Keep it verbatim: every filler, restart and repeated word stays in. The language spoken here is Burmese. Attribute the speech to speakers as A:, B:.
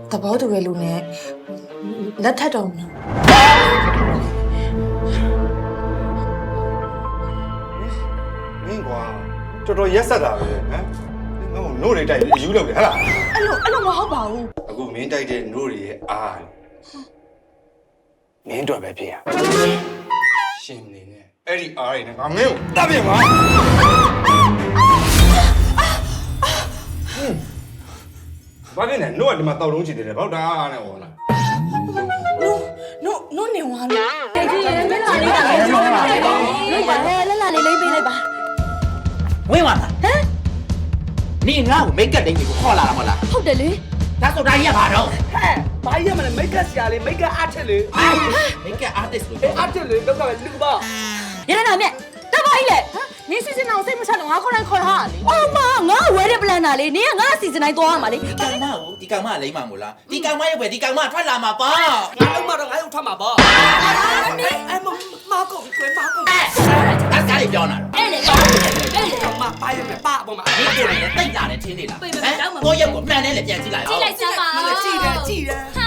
A: သဘောတူရဲ့လူနဲ့လက်ထပ်တော့မလို့
B: မင်းကွာတော်တော်ရက်ဆက်တာပဲဟမ်ငါ့ကိုနို့တွေတိုက်ပြီးအယူလုပ်တယ်ဟဟလား
A: အဲ့လိုအဲ့လိုမဟုတ်ပါဘူး
B: အခုမင်းတိုက်တဲ့နို့တွေရဲ့အားမင်းတို့ပဲဖြစ်ရရှင်နေနဲ့အဲ့ဒီအားတွေနဲ့ငါမင်းကိုတတ်ပြင်ပါဘာဖြစ်လဲနို့ကဒီမှာတောက်လုံးချီတယ်လေဘောက်တာအားနဲ့ဟောလား
A: နို့နို့နို့နေဝါလို့
C: တိတ်ကြီးရဲ့လက်လာလေးတာလေးပြောပါလေလို့ပါလေလက်လာလေးလေးပေးလိုက်ပါ
D: ဝင်းပါလားဟမ်နေငါ့ကိုမိတ်ကပ်တိန်ကိုခေါ်လာတာမဟုတ်လား
C: ဟုတ်တယ်လေ
D: ဒါဆိုဒါကြီးကဘာတော့
E: ဟဲ့ဘာရမလဲမိတ်ကပ်ဆရာလေးမိတ်ကပ်အားထက်လေ
D: မိတ်ကပ် artist လို့
E: အေးအားထက်လေတော့ကပဲလူပါ
C: ရရနာမြက်တပါကြီးလေနင်းစီစဉ်အောင်စိတ်မချလို့ငါခေါ်တိုင်းခေါ်ထားတာလေအော်မငါဝဲတဲ့ပလန်တာလေနင်းကငါစီစဉ်တိုင်းသွားရမှာလေ
D: ဒီကောင်မကိုဒီကောင်မလိမ့်မှာမို့လားဒီကောင်မရဲ့ပဲဒီကောင်မထွက်လာမှာပါ
E: ငါအောင်မတော့ငါအောင်ထမှာပေါ့အဲမမကောကွယ်မကော
D: အဲ့ဒါကြီးပြောနေတာ
C: အဲ့လေ
E: တော့မပါရမယ်ပါပေါ့မ
D: ဒီကိုလည်းတိတ်လာတယ်ထင်းနေလားဟမ်ကိုရက်ကိုမှန်တယ်လေပြန်ကြည့်လိုက်
C: ကြည့်လိုက်စမ်းပါ
E: မလည်းကြည့်တယ်ကြည့်တယ်